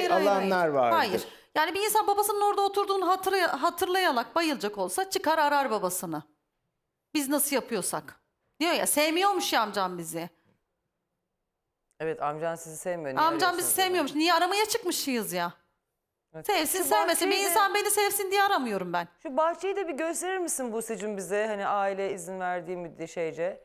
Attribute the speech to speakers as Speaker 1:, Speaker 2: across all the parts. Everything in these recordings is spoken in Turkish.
Speaker 1: hayır,
Speaker 2: alanlar vardır.
Speaker 1: Hayır. Yani bir insan babasının orada oturduğunu hatırlayarak bayılacak olsa çıkar arar babasını. Biz nasıl yapıyorsak. Diyor ya, sevmiyormuş ya amcam bizi.
Speaker 3: Evet, amcan sizi sevmiyor. Niye
Speaker 1: Amcam bizi
Speaker 3: arıyorsunuz o zaman?
Speaker 1: sevmiyormuş. Niye aramaya çıkmışız ya?
Speaker 3: Evet.
Speaker 1: Sevsin
Speaker 3: Şu
Speaker 1: sevmesin. Bir
Speaker 3: bahçeyi de-
Speaker 1: insan beni sevsin diye aramıyorum ben.
Speaker 3: Şu bahçeyi de bir gösterir misin Buse'cim bize? Hani aile izin verdiği şeyce.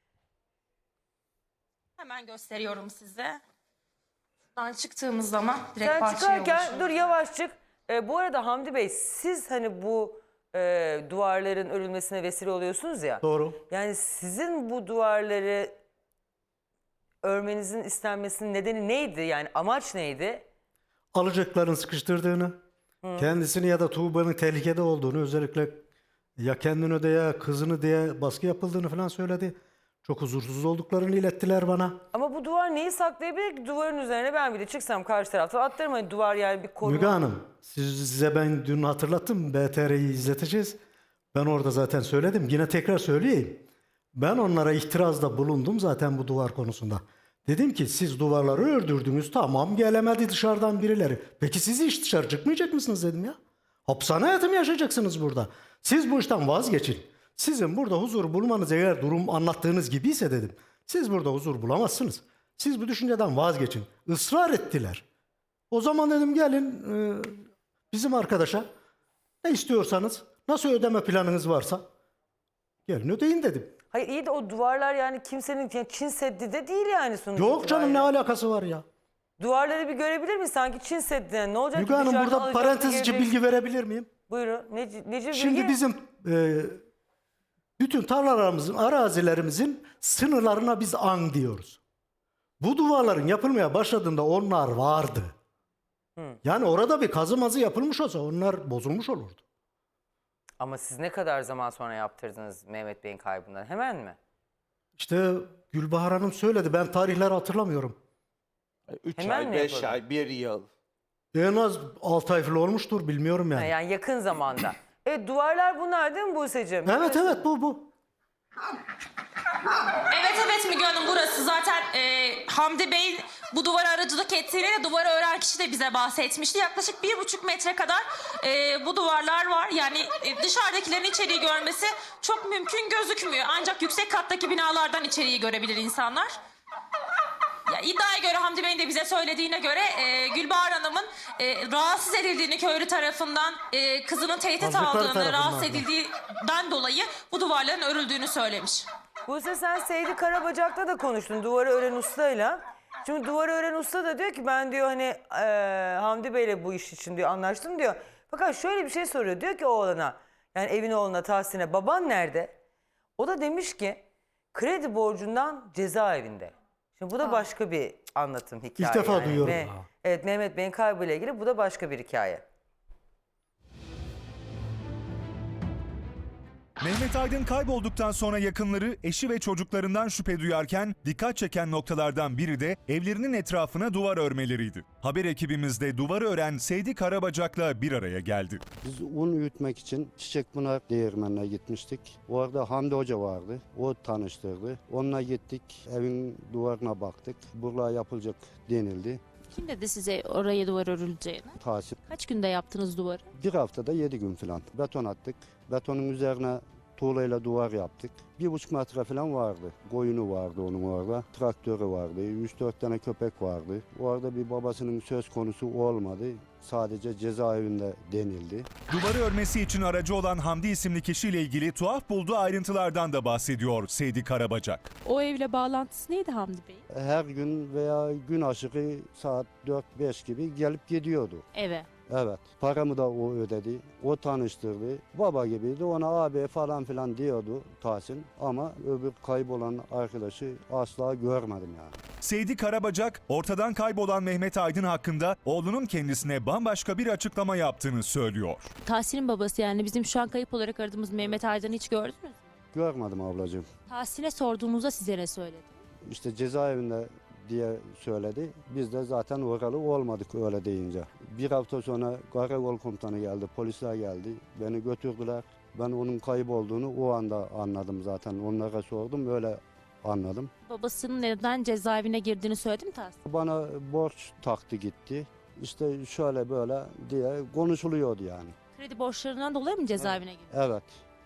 Speaker 4: Hemen gösteriyorum size. Buradan çıktığımız zaman direkt
Speaker 3: Sen
Speaker 4: bahçeye
Speaker 3: çıkarken
Speaker 4: ulaşıyoruz.
Speaker 3: dur yavaş çık. Bu arada Hamdi Bey, siz hani bu duvarların örülmesine vesile oluyorsunuz ya.
Speaker 5: Doğru.
Speaker 3: Yani sizin bu duvarları örmenizin istenmesinin nedeni neydi? Yani amaç neydi?
Speaker 5: Alacakların sıkıştırdığını, kendisini ya da Tuğba'nın tehlikede olduğunu, özellikle ya kendini öde ya kızını diye baskı yapıldığını falan söyledi. Çok huzursuz olduklarını ilettiler bana.
Speaker 3: Ama bu duvar neyi saklayabilir ki? Duvarın üzerine ben bir de çıksam karşı tarafta atlarım. Hani duvar yani bir koruma.
Speaker 5: Müge Hanım, size ben dün hatırlattım, BTR'yi izleteceğiz. Ben orada zaten söyledim, yine tekrar söyleyeyim. Ben onlara itirazda bulundum zaten bu duvar konusunda. Dedim ki siz duvarları ördürdünüz, tamam, gelemedi dışarıdan birileri. Peki siz hiç dışarı çıkmayacak mısınız dedim ya. Hapishane hayatı mı yaşayacaksınız burada? Siz bu işten vazgeçin. Sizin burada huzur bulmanız eğer durum anlattığınız gibiyse dedim. Siz burada huzur bulamazsınız. Siz bu düşünceden vazgeçin. Israr ettiler. O zaman dedim gelin bizim arkadaşa ne istiyorsanız, nasıl ödeme planınız varsa gelin ödeyin dedim.
Speaker 3: Hayır iyi de o duvarlar yani kimsenin yani Çin Seddi de değil yani sonuçta.
Speaker 5: Yok canım, ne
Speaker 3: itibariyle.
Speaker 5: alakası var ya?
Speaker 3: Duvarları bir görebilir miyiz? Sanki Çin Seddi. Yani ne olacak
Speaker 5: Müge
Speaker 3: ki
Speaker 5: Hanım,
Speaker 3: dışarıdan
Speaker 5: burada
Speaker 3: alacak
Speaker 5: parantez
Speaker 3: bir
Speaker 5: içi
Speaker 3: gelecek?
Speaker 5: bilgi verebilir miyim?
Speaker 3: Buyurun. Nece
Speaker 5: Şimdi
Speaker 3: bilgi?
Speaker 5: bizim bütün tarlalarımızın, arazilerimizin sınırlarına biz an diyoruz. Bu duvarların yapılmaya başladığında onlar vardı. Yani orada bir kazı mazı yapılmış olsa onlar bozulmuş olurdu.
Speaker 3: Ama siz ne kadar zaman sonra yaptırdınız Mehmet Bey'in kaybından? Hemen mi?
Speaker 5: İşte Gülbahar Hanım söyledi, ben tarihleri hatırlamıyorum.
Speaker 2: 3
Speaker 3: Hemen
Speaker 2: ay,
Speaker 3: mi
Speaker 2: 5
Speaker 3: yapalım?
Speaker 2: ay, 1 yıl.
Speaker 5: En az 6 ay falan olmuştur, bilmiyorum yani.
Speaker 3: Yani yakın zamanda. Evet, duvarlar bunlar değil mi Buse'cim?
Speaker 5: Evet evet, bu.
Speaker 4: Evet Müge Hanım, burası zaten Hamdi Bey bu duvara aracılık ettiğini de duvarı ören kişi de bize bahsetmişti. Yaklaşık 1,5 metre kadar bu duvarlar var. Yani dışarıdakilerin içeriği görmesi çok mümkün gözükmüyor. Ancak yüksek kattaki binalardan içeriği görebilir insanlar. Ya, iddiaya göre Hamdi Bey'in de bize söylediğine göre Gülbahar Hanım'ın rahatsız edildiğini köylü tarafından, kızının tehdit
Speaker 5: Hazırlıkları
Speaker 4: aldığını,
Speaker 5: tarafından
Speaker 4: rahatsız
Speaker 5: da.
Speaker 4: edildiğinden dolayı bu duvarların örüldüğünü söylemiş.
Speaker 3: Buse, sen Seydi Karabacak'ta da konuştun duvarı ören ustayla. Şimdi duvarı ören usta da diyor ki ben diyor hani Hamdi Bey'le bu iş için diyor anlaştım diyor. Fakat şöyle bir şey soruyor, diyor ki oğlana, yani evin oğluna Tahsin'e, baban nerede? O da demiş ki kredi borcundan cezaevinde. Şimdi bu da başka bir anlatım, hikaye.
Speaker 5: İlk defa
Speaker 3: yani.
Speaker 5: duyuyorum.
Speaker 3: Evet, Mehmet Bey'in kaybıyla ilgili bu da başka bir hikaye.
Speaker 6: Mehmet Aydın kaybolduktan sonra yakınları, eşi ve çocuklarından şüphe duyarken dikkat çeken noktalardan biri de evlerinin etrafına duvar örmeleriydi. Haber ekibimiz de duvarı ören Seydi Karabacak'la bir araya geldi.
Speaker 7: Biz un üretmek için Çiçekpınar Değirmeni'ne gitmiştik. Orada Hamdi Hoca vardı. O tanıştırdı. Onunla gittik. Evin duvarına baktık. Buraya yapılacak denildi.
Speaker 8: Kim dedi size oraya duvar örüleceğini?
Speaker 7: Tahsin.
Speaker 8: Kaç günde yaptınız duvarı?
Speaker 7: Bir haftada 7 gün falan. Beton attık. Betonun üzerine tuğlayla duvar yaptık. 1,5 metre falan vardı. Koyunu vardı onun orada. Traktörü vardı. 3-4 tane köpek vardı. Orada bir babasının söz konusu olmadı. Sadece cezaevinde denildi.
Speaker 6: Duvarı örmesi için aracı olan Hamdi isimli kişiyle ilgili tuhaf bulduğu ayrıntılardan da bahsediyor Seydi Karabacak.
Speaker 8: O evle bağlantısı neydi Hamdi Bey?
Speaker 7: Her gün veya gün aşırı saat 4-5 gibi gelip gidiyordu.
Speaker 8: Eve.
Speaker 7: Evet. Paramı da o ödedi. O tanıştırdı. Baba gibiydi. Ona abi falan filan diyordu Tahsin. Ama öbür kaybolan arkadaşı asla görmedim yani.
Speaker 6: Seydi Karabacak, ortadan kaybolan Mehmet Aydın hakkında oğlunun kendisine bambaşka bir açıklama yaptığını söylüyor.
Speaker 8: Tahsin'in babası, yani bizim şu an kayıp olarak aradığımız Mehmet Aydın'ı hiç gördünüz mü?
Speaker 7: Görmedim ablacığım.
Speaker 8: Tahsin'e sorduğumuzda size ne söyledi?
Speaker 7: İşte cezaevinde diye söyledi. Biz de zaten oralı olmadık öyle deyince. Bir hafta sonra karakol komutanı geldi, polisler geldi. Beni götürdüler. Ben onun kayıp olduğunu o anda anladım zaten. Onlara sordum, öyle anladım.
Speaker 8: Babasının neden cezaevine girdiğini söyledi mi Tahsin?
Speaker 7: Bana borç taktı gitti. İşte şöyle böyle diye konuşuluyordu yani.
Speaker 8: Kredi borçlarından dolayı mı cezaevine girdi?
Speaker 7: Evet.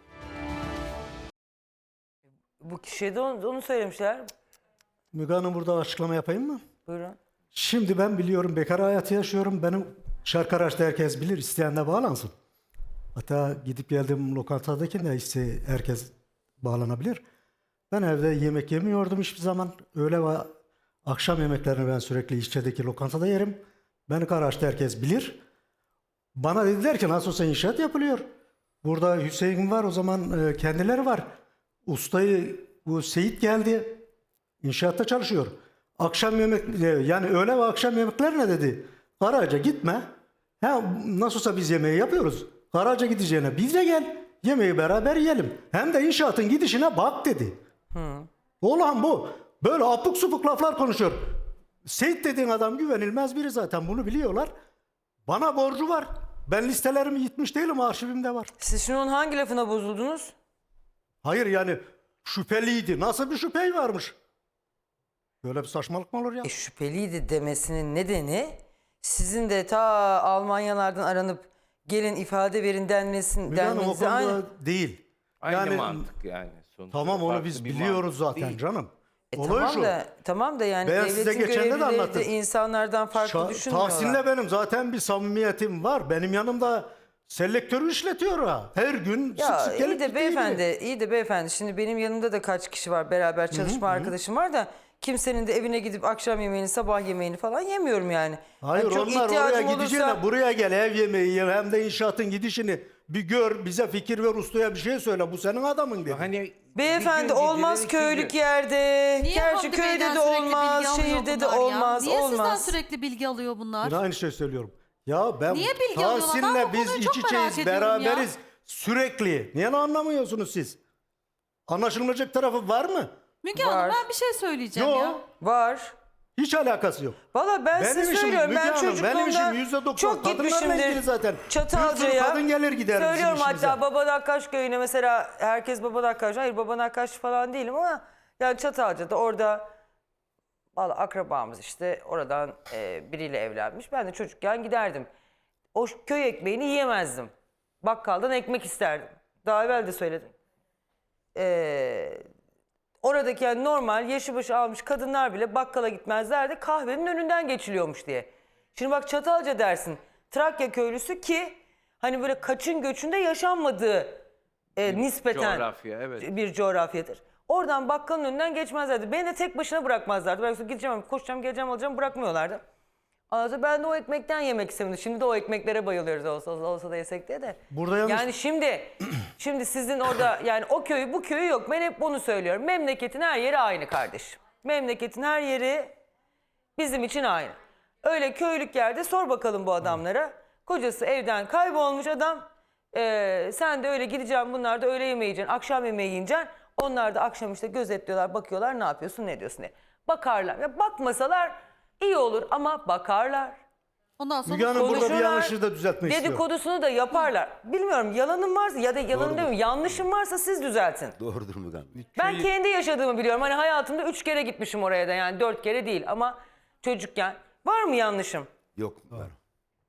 Speaker 3: Bu kişiye de onu söylemişler.
Speaker 5: Müge Hanım, burada açıklama yapayım mı?
Speaker 3: Buyurun.
Speaker 5: Şimdi ben biliyorum, bekar hayatı yaşıyorum. Benim Şarkaraş'ta herkes bilir, isteyen de bağlansın. Hatta gidip geldiğim lokantadaki de herkes bağlanabilir. Ben evde yemek yemiyordum hiçbir zaman. Öğle ve akşam yemeklerini ben sürekli İşçe'deki lokantada yerim. Beni Karaş'ta herkes bilir. Bana dediler ki nasıl olsa inşaat yapılıyor. Burada Hüseyin var, o zaman kendileri var. Ustayı, bu Seyit geldi. İnşaatta çalışıyor. Akşam yemek, yani öğle ve akşam yemekler ne dedi? Karaca gitme. Ha, nasıl olsa biz yemeği yapıyoruz. Karaca gideceğine biz de gel. Yemeği beraber yiyelim. Hem de inşaatın gidişine bak dedi. Olan bu. Böyle apuk supuk laflar konuşuyor. Seyit dediğin adam güvenilmez biri, zaten bunu biliyorlar. Bana borcu var. Ben listelerimi yitmiş değilim, arşivimde var.
Speaker 3: Siz şimdi onun hangi lafına bozuldunuz?
Speaker 5: Hayır yani şüpheliydi. Nasıl bir şüphe varmış? Böyle bir saçmalık mı olur ya?
Speaker 3: Şüpheliydi demesinin nedeni sizin de ta Almanyalardan aranıp gelin ifade verin
Speaker 5: Müge Hanım, o
Speaker 3: denmenize
Speaker 5: konuda
Speaker 3: aynı.
Speaker 5: değil.
Speaker 2: Aynı
Speaker 5: Yani
Speaker 2: mantık yani. Sonuçta
Speaker 5: tamam, onu
Speaker 2: farklı
Speaker 5: biz
Speaker 2: bir
Speaker 5: biliyoruz
Speaker 2: mantık
Speaker 5: zaten
Speaker 2: değil.
Speaker 5: canım. Olay
Speaker 3: Tamam
Speaker 5: şu.
Speaker 3: da tamam da yani
Speaker 5: Ben size
Speaker 3: devletin
Speaker 5: geçen de
Speaker 3: görevlileri
Speaker 5: anlattım.
Speaker 3: de insanlardan farklı düşünmüyorlar.
Speaker 5: Tahsin'le benim zaten bir samimiyetim var. Benim yanımda selektörü işletiyor ha. Her gün
Speaker 3: Ya
Speaker 5: sık sık gelip
Speaker 3: iyi de
Speaker 5: gittiği
Speaker 3: beyefendi,
Speaker 5: gibi.
Speaker 3: iyi de beyefendi. Şimdi benim yanımda da kaç kişi var, beraber çalışma arkadaşım var da kimsenin de evine gidip akşam yemeğini, sabah yemeğini falan yemiyorum yani.
Speaker 5: Hayır,
Speaker 3: Yani çok
Speaker 5: onlar oraya
Speaker 3: ihtiyacım
Speaker 5: gideceğine
Speaker 3: olursa-
Speaker 5: buraya gel, ev yemeği ye, hem de inşaatın gidişini bir gör, bize fikir ver, ustaya bir şey söyle. Bu senin adamın dedi.
Speaker 2: Hani
Speaker 3: Beyefendi
Speaker 2: bir gün
Speaker 3: olmaz
Speaker 2: gidilir,
Speaker 3: köylük
Speaker 2: iki gün.
Speaker 3: yerde.
Speaker 1: Niye
Speaker 3: Gerçi
Speaker 1: Hamdi
Speaker 3: köyde
Speaker 1: Bey'den
Speaker 3: de
Speaker 1: sürekli
Speaker 3: olmaz,
Speaker 1: bilgi alıyor
Speaker 3: şehirde de
Speaker 1: bunlar ya?
Speaker 3: olmaz,
Speaker 1: Niye sizden
Speaker 3: olmaz.
Speaker 1: sürekli bilgi alıyor bunlar?
Speaker 5: Yine aynı şey söylüyorum. Ya ben
Speaker 1: Niye bilgi alıyorlar? Ben
Speaker 5: Tahsin'le
Speaker 1: bu
Speaker 5: biz
Speaker 1: konuyu
Speaker 5: iç
Speaker 1: çok merak
Speaker 5: içeyiz,
Speaker 1: ediyorum ya.
Speaker 5: beraberiz sürekli. Niye anlamıyorsunuz siz? Anlaşılmayacak tarafı var mı?
Speaker 1: Müge
Speaker 3: Var.
Speaker 1: Hanım, ben bir şey söyleyeceğim ya.
Speaker 5: Yok.
Speaker 3: Var.
Speaker 5: Hiç alakası yok.
Speaker 3: Valla ben
Speaker 5: Benim
Speaker 3: size
Speaker 5: işim
Speaker 3: söylüyorum.
Speaker 5: Müge
Speaker 3: Ben
Speaker 5: Hanım, benim işim
Speaker 3: çocukluğumda
Speaker 5: %90
Speaker 3: çok
Speaker 5: kadınlarla ilgili
Speaker 3: gitmişimdir.
Speaker 5: zaten. Bir sürü
Speaker 3: Çatalca'ya.
Speaker 5: kadın gelir gider bizim
Speaker 3: Söylüyorum
Speaker 5: işimize.
Speaker 3: hatta Babadakkaş köyüne mesela, herkes Babadakkaş. Hayır, Babadakkaş falan değilim ama yani Çatalca'da orada valla akrabamız işte oradan biriyle evlenmiş. Ben de çocukken giderdim. O köy ekmeğini yiyemezdim. Bakkaldan ekmek isterdim. Daha evvel de söyledim. Oradaki yani normal yaşı başı almış kadınlar bile bakkala gitmezlerdi. Kahvenin önünden geçiliyormuş diye. Şimdi bak Çatalca dersin. Trakya köylüsü ki hani böyle kaçın göçünde yaşanmadığı nispeten
Speaker 2: coğrafya, evet.
Speaker 3: bir coğrafyadır. Oradan bakkalın önünden geçmezlerdi. Beni de tek başına bırakmazlardı. Ben gideceğim, koşacağım, geleceğim, alacağım, bırakmıyorlardı. Anladın? Ben de o ekmekten yemek istemedim. Şimdi de o ekmeklere bayılıyoruz, olsa da yesek diye de.
Speaker 5: Burada yalnız-
Speaker 3: Yani şimdi sizin orada yani o köyü bu köyü yok. Ben hep bunu söylüyorum. Memleketin her yeri aynı kardeşim. Memleketin her yeri bizim için aynı. Öyle köylük yerde sor bakalım bu adamlara. Kocası evden kaybolmuş adam. Sen de öyle gideceksin, bunlar da öğle yemeği yiyeceksin, akşam yemeği yiyeceksin. Onlar da akşam işte gözetliyorlar, bakıyorlar ne yapıyorsun, ne diyorsun diye. Bakarlar. Ya bakmasalar iyi olur ama bakarlar.
Speaker 1: Ondan sonra
Speaker 5: Müge Hanım, burada bir
Speaker 3: Konuşurlar,
Speaker 5: yanlışı da düzeltmek istiyorum.
Speaker 3: dedikodusunu da yaparlar. Bilmiyorum yalanım varsa ya da yalanım demiyorum, yanlışım varsa siz düzeltin.
Speaker 9: Doğrudur Müge Hanım.
Speaker 3: Ben kendi yaşadığımı biliyorum. Hani hayatımda 3 kere gitmişim oraya da, yani 4 kere değil ama çocukken. Var mı yanlışım?
Speaker 9: Yok Müge Hanım.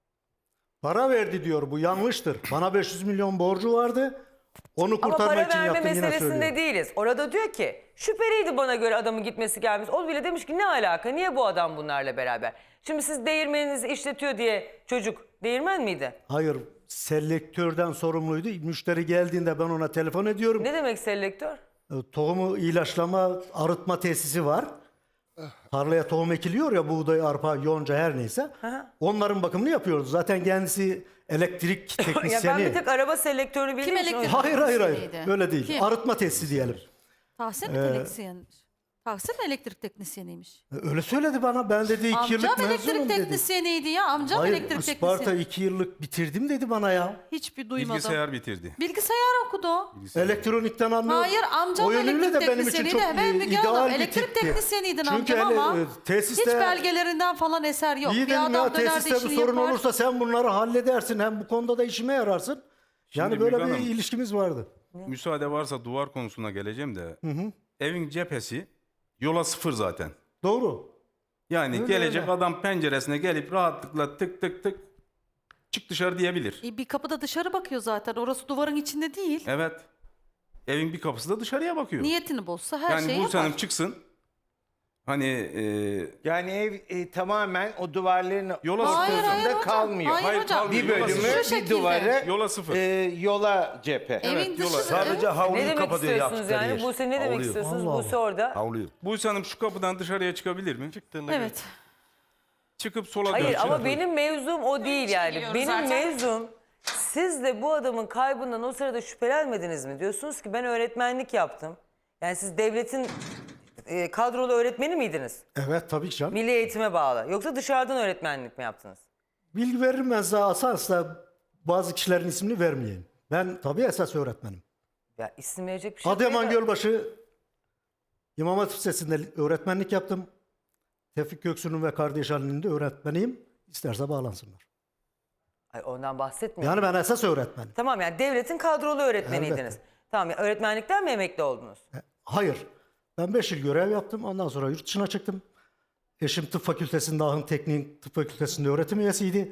Speaker 5: Para verdi diyor, bu yanlıştır. Bana 500 milyon borcu vardı. Onu
Speaker 3: Ama
Speaker 5: kurtarmak
Speaker 3: para
Speaker 5: için
Speaker 3: verme
Speaker 5: yaptım, yine
Speaker 3: meselesinde
Speaker 5: söylüyorum.
Speaker 3: değiliz. Orada diyor ki şüpheliydi bana göre adamın gitmesi gelmesi. O bile demiş ki ne alaka, niye bu adam bunlarla beraber? Şimdi siz değirmeninizi işletiyor diye çocuk değirmen miydi?
Speaker 5: Hayır, selektörden sorumluydu. Müşteri geldiğinde ben ona telefon ediyorum.
Speaker 3: Ne demek selektör?
Speaker 5: Tohumu ilaçlama, arıtma tesisi var. Tarlaya tohum ekiliyor ya, buğday, arpa, yonca her neyse. Onların bakımını yapıyoruz. Zaten kendisi elektrik
Speaker 3: Ya ben
Speaker 5: teknisyeni.
Speaker 3: bir tek araba selektörünü
Speaker 1: Kim
Speaker 3: bildiğim için
Speaker 1: elektrik-
Speaker 5: Hayır.
Speaker 1: Teknisyeniydi.
Speaker 5: Öyle değil.
Speaker 1: Kim?
Speaker 5: Arıtma tesisi diyelim.
Speaker 1: Tahsin mi teknisyenmiş? Tahsin elektrik teknisyeniymiş.
Speaker 5: Öyle söyledi bana. Ben dedi 2 yıllık
Speaker 1: Amcam
Speaker 5: mezunum
Speaker 1: elektrik
Speaker 5: dedi.
Speaker 1: teknisyeniydi ya. Amcam
Speaker 5: Hayır,
Speaker 1: elektrik
Speaker 5: Isparta
Speaker 1: teknisyeni.
Speaker 5: 2 yıllık bitirdim dedi bana ya.
Speaker 1: Hiçbir duymadım.
Speaker 10: Bilgisayar bitirdi.
Speaker 1: Bilgisayar okudu o.
Speaker 5: Elektronikten anlıyor.
Speaker 1: Hayır, amcam
Speaker 5: O yönüyle
Speaker 1: elektrik
Speaker 5: de benim için
Speaker 1: teknisyeniydi.
Speaker 5: çok
Speaker 1: Ben Müge Hanım
Speaker 5: ideal bir
Speaker 1: elektrik
Speaker 5: tipti.
Speaker 1: teknisyeniydin
Speaker 5: Çünkü
Speaker 1: amcam ama
Speaker 5: tesiste,
Speaker 1: hiç belgelerinden falan eser yok.
Speaker 5: İyi
Speaker 1: Bir
Speaker 5: dedim
Speaker 1: adam
Speaker 5: ya,
Speaker 1: döner de
Speaker 5: tesiste bir
Speaker 1: işini
Speaker 5: sorun
Speaker 1: yapar.
Speaker 5: olursa sen bunları halledersin. Hem bu konuda da işime yararsın. Yani
Speaker 10: Şimdi
Speaker 5: böyle
Speaker 10: Müge
Speaker 5: bir
Speaker 10: Hanım,
Speaker 5: ilişkimiz vardı.
Speaker 10: Müsaade varsa duvar konusuna geleceğim de. Evin cephesi yola sıfır zaten.
Speaker 5: Doğru.
Speaker 10: Yani
Speaker 5: Öyle,
Speaker 10: gelecek
Speaker 5: öyle.
Speaker 10: adam penceresine gelip rahatlıkla tık tık tık çık dışarı diyebilir.
Speaker 1: Bir kapıda dışarı bakıyor zaten. Orası duvarın içinde değil.
Speaker 10: Evet. Evin bir kapısı da dışarıya bakıyor.
Speaker 1: Niyetini bozsa her
Speaker 10: yani
Speaker 1: şeyi
Speaker 10: Buse
Speaker 1: yapar.
Speaker 10: Hanım çıksın. Hani
Speaker 2: Yani ev tamamen o duvarların
Speaker 10: Yola
Speaker 1: Hayır,
Speaker 10: sıfır.
Speaker 1: hayır hocam.
Speaker 2: kalmıyor.
Speaker 1: Hayır hocam.
Speaker 10: kalmıyor.
Speaker 2: Bir
Speaker 10: Yola
Speaker 2: bölümü,
Speaker 10: sıfır.
Speaker 1: Şu
Speaker 2: bir
Speaker 1: şekilde.
Speaker 2: duvarı
Speaker 10: Yola sıfır.
Speaker 2: yola cephe.
Speaker 1: Evin
Speaker 10: yola-
Speaker 1: dışı.
Speaker 9: Sadece havluyu
Speaker 3: Ne demek
Speaker 9: kapatıyor
Speaker 3: istiyorsunuz
Speaker 9: yaptıkları
Speaker 3: yani?
Speaker 9: yer.
Speaker 3: Buse ne demek
Speaker 9: Havluyu.
Speaker 3: istiyorsunuz?
Speaker 5: Allah
Speaker 3: Buse orada.
Speaker 9: Havluyu.
Speaker 10: Buse Hanım şu kapıdan dışarıya çıkabilir mi?
Speaker 1: Evet.
Speaker 10: Çıkıp sola
Speaker 3: Hayır
Speaker 10: dönecek.
Speaker 3: ama benim mevzum o değil
Speaker 4: için
Speaker 3: yani.
Speaker 4: giriyoruz
Speaker 3: Benim
Speaker 4: zaten.
Speaker 3: mevzum siz de bu adamın kaybından o sırada şüphelenmediniz mi? Diyorsunuz ki ben öğretmenlik yaptım. Yani siz devletin kadrolu öğretmeni miydiniz?
Speaker 5: Evet tabii ki canım.
Speaker 3: Milli eğitime bağlı. Yoksa dışarıdan öğretmenlik mi yaptınız?
Speaker 5: Bilgi veririm ben size asasla bazı kişilerin ismini vermeyeyim. Ben tabii esas öğretmenim.
Speaker 3: Ya isim verecek bir şey yok.
Speaker 5: Adıyaman Gölbaşı İmam Hatip Lisesi'nde öğretmenlik yaptım. Tevfik Göksu'nun ve kardeş Ali'nin de öğretmeniyim. İsterse bağlansınlar.
Speaker 3: Ay, ondan bahsetmiyorum.
Speaker 5: Yani ben esas öğretmenim.
Speaker 3: Tamam yani devletin kadrolu öğretmeniydiniz.
Speaker 5: Elbette.
Speaker 3: Tamam ya öğretmenlikten mi emekli oldunuz?
Speaker 5: Hayır. Ben 5 yıl görev yaptım. Ondan sonra yurt dışına çıktım. Eşim tıp fakültesinde, Ahın Teknik Tıp Fakültesi'nde öğretim üyesiydi.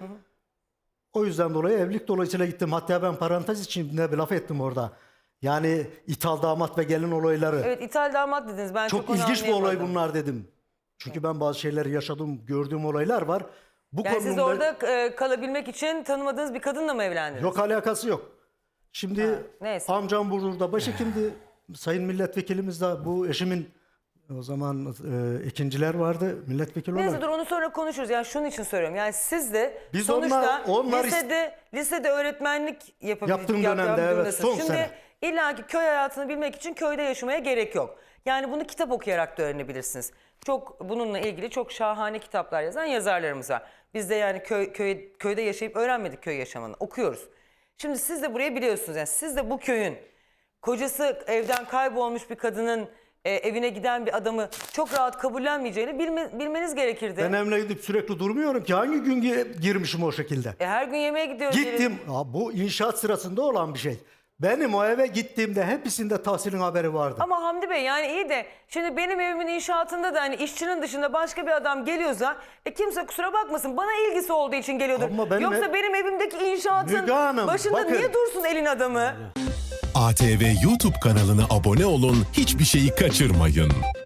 Speaker 5: O yüzden dolayı evlilik dolayısıyla gittim. Hatta ben parantez içinde bir laf ettim orada. Yani ithal damat ve gelin olayları.
Speaker 3: Evet ithal damat dediniz. Ben
Speaker 5: Çok
Speaker 3: onu
Speaker 5: ilginç bir olay
Speaker 3: anlayamadım.
Speaker 5: bunlar dedim. Çünkü ben bazı şeyleri yaşadım, gördüğüm olaylar var. Bu
Speaker 3: Yani siz
Speaker 5: konumda
Speaker 3: orada kalabilmek için tanımadığınız bir kadınla mı evlendiniz?
Speaker 5: yok alakası yok. Şimdi
Speaker 3: neyse.
Speaker 5: amcam Burdur'da başhekimdi. Sayın milletvekilimiz de bu eşimin o zaman ikinciler vardı milletvekili
Speaker 3: Neyse
Speaker 5: olarak.
Speaker 3: dur onu sonra konuşuruz. Yani şunun için soruyorum. Yani siz de
Speaker 5: Biz
Speaker 3: sonuçta
Speaker 5: onlar
Speaker 3: lisede öğretmenlik
Speaker 5: Yaptığım dönemde, evet, son
Speaker 3: Şimdi
Speaker 5: sene.
Speaker 3: illaki köy hayatını bilmek için köyde yaşamaya gerek yok. Yani bunu kitap okuyarak da öğrenebilirsiniz. Çok bununla ilgili çok şahane kitaplar yazan yazarlarımız var. Biz de yani köyde yaşayıp öğrenmedik köy yaşamını. Okuyoruz. Şimdi siz de burayı biliyorsunuz. Yani siz de bu köyün kocası evden kaybolmuş bir kadının evine giden bir adamı çok rahat kabullenmeyeceğini bilmeniz gerekirdi.
Speaker 5: Ben evine gidip sürekli durmuyorum ki. Hangi gün girmişim o şekilde?
Speaker 3: Her gün yemeğe gidiyoruz.
Speaker 5: Gittim. Bu inşaat sırasında olan bir şey. Benim o eve gittiğimde hepsinde Tahsin'in haberi vardı.
Speaker 3: Ama Hamdi Bey yani iyi de şimdi benim evimin inşaatında da hani işçinin dışında başka bir adam geliyorsa kimse kusura bakmasın bana ilgisi olduğu için geliyordur.
Speaker 5: Ama benim
Speaker 3: Yoksa benim evimdeki inşaatın
Speaker 5: Müge Hanım,
Speaker 3: başında
Speaker 5: bakın.
Speaker 3: niye dursun elin adamı?
Speaker 11: ATV YouTube kanalına abone olun, hiçbir şeyi kaçırmayın.